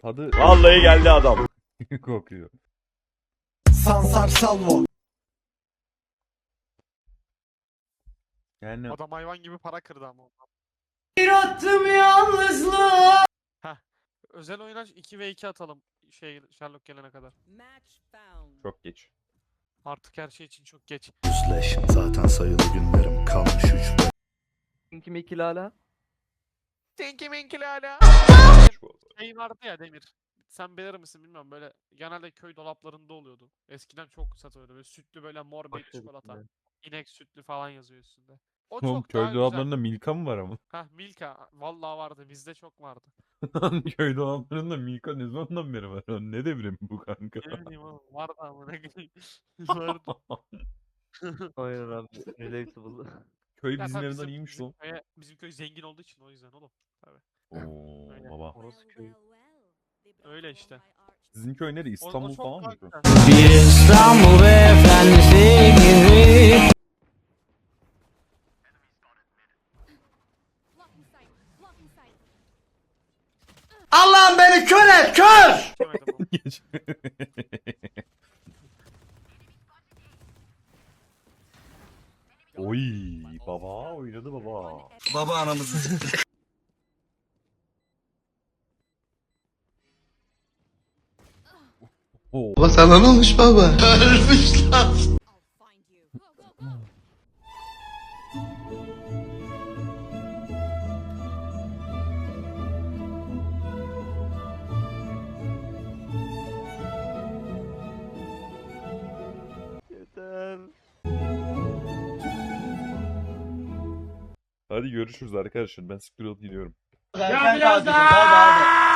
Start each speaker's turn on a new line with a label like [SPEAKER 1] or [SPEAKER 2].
[SPEAKER 1] Tadı
[SPEAKER 2] Vallahi geldi adam.
[SPEAKER 1] kokuyor.
[SPEAKER 3] Sansar Salvo.
[SPEAKER 1] Yani
[SPEAKER 4] Adam hayvan gibi para kırdı ama ondan.
[SPEAKER 3] Bir attım yalnızlığa.
[SPEAKER 4] Özel oyuna 2v2 atalım Sherlock gelene kadar.
[SPEAKER 1] çok geç.
[SPEAKER 4] Artık her şey için çok geç.
[SPEAKER 5] Yüzleş zaten sayılı günlerim kalmış 3
[SPEAKER 6] Kim ikili hala?
[SPEAKER 4] Tinky Winky hala.
[SPEAKER 1] Şu oldu.
[SPEAKER 4] Şey vardı ya Demir. Sen bilir misin bilmiyorum, böyle genelde köy dolaplarında oluyordu. Eskiden çok satıyordu, böyle sütlü, böyle mor bir
[SPEAKER 6] Başladık
[SPEAKER 4] çikolata.
[SPEAKER 6] yine.
[SPEAKER 4] İnek sütlü falan yazıyor üstünde. O
[SPEAKER 1] Oğlum
[SPEAKER 4] çok
[SPEAKER 1] köy
[SPEAKER 4] daha güzel.
[SPEAKER 1] dolaplarında Milka mı var ama?
[SPEAKER 4] Hah, Milka. Vallahi vardı, bizde çok vardı.
[SPEAKER 1] Köy dolaplarında Milka ne zamandan beri var? Ne devrim bu kanka?
[SPEAKER 4] Ne bileyim oğlum, vardı ama ne bileyim. Vardı.
[SPEAKER 6] Aynen abi. Relatable.
[SPEAKER 1] Köy
[SPEAKER 4] Ya
[SPEAKER 1] bizim
[SPEAKER 4] tabii
[SPEAKER 1] evden iyiymiş lan.
[SPEAKER 4] bizim köy zengin olduğu için o yüzden oğlum. Tabii.
[SPEAKER 1] Oo
[SPEAKER 4] Öyle.
[SPEAKER 1] baba.
[SPEAKER 6] Orası köy.
[SPEAKER 4] Öyle işte.
[SPEAKER 1] Sizin köy nerede?
[SPEAKER 4] O
[SPEAKER 1] İstanbul
[SPEAKER 4] çok
[SPEAKER 1] falan
[SPEAKER 4] daha
[SPEAKER 1] mı?
[SPEAKER 4] güzel.
[SPEAKER 3] Bir İstanbul beyefendisi gibi. Allah'ım beni kör et kör.
[SPEAKER 4] Geçemedim ama.
[SPEAKER 1] Geç. Oy baba oynadı baba.
[SPEAKER 3] Baba anamızı.
[SPEAKER 1] Oo.
[SPEAKER 3] Baba sana ne olmuş baba? Ölmüş lan.
[SPEAKER 6] Yeter.
[SPEAKER 1] Hadi görüşürüz arkadaşlar. Ben siktir olup gidiyorum.
[SPEAKER 3] Ya biraz daha.